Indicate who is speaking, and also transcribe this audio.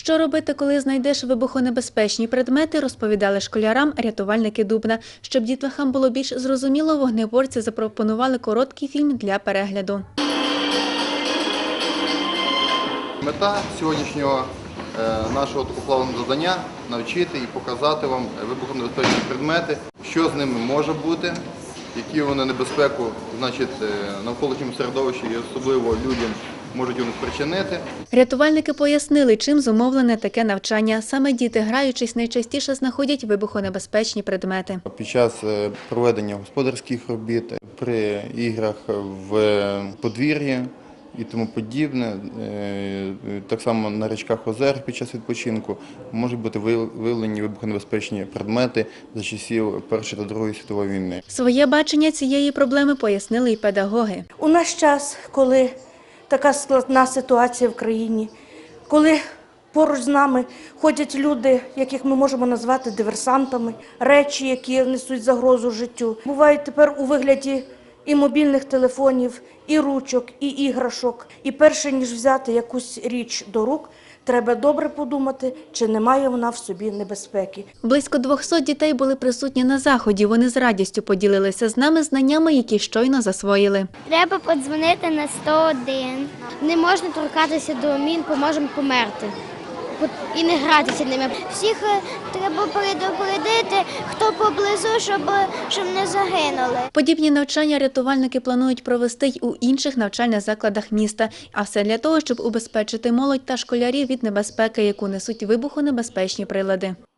Speaker 1: Що робити, коли знайдеш вибухонебезпечні предмети, розповідали школярам рятувальники Дубна. Щоб дітлахам було більш зрозуміло, вогнеборці запропонували короткий фільм для перегляду.
Speaker 2: Мета сьогоднішнього нашого такоплавного завдання – навчити і показати вам вибухонебезпечні предмети, що з ними може бути, які вони небезпеку навколишньому середовищі і особливо людям можуть вони спричинити.
Speaker 1: Рятувальники пояснили, чим зумовлене таке навчання. Саме діти, граючись, найчастіше знаходять вибухонебезпечні предмети.
Speaker 2: Під час проведення господарських робіт, при іграх в подвір'ї і тому подібне, так само на річках озер під час відпочинку можуть бути виявлені вибухонебезпечні предмети за часів Першої та Другої світової війни.
Speaker 1: Своє бачення цієї проблеми пояснили й педагоги.
Speaker 3: У наш час, коли така складна ситуація в країні, коли поруч з нами ходять люди, яких ми можемо назвати диверсантами, речі, які несуть загрозу життю, бувають тепер у вигляді і мобільних телефонів, і ручок, і іграшок. І перше, ніж взяти якусь річ до рук, треба добре подумати, чи немає вона в собі небезпеки.
Speaker 1: Близько 200 дітей були присутні на заході. Вони з радістю поділилися з нами знаннями, які щойно засвоїли.
Speaker 4: Треба подзвонити на 101. Не можна торкатися до мін, бо можемо померти. І не гратися ними. Всіх треба предупредити, хто поблизу, щоб не загинули.
Speaker 1: Подібні навчання рятувальники планують провести й у інших навчальних закладах міста. А все для того, щоб убезпечити молодь та школярів від небезпеки, яку несуть вибухонебезпечні прилади.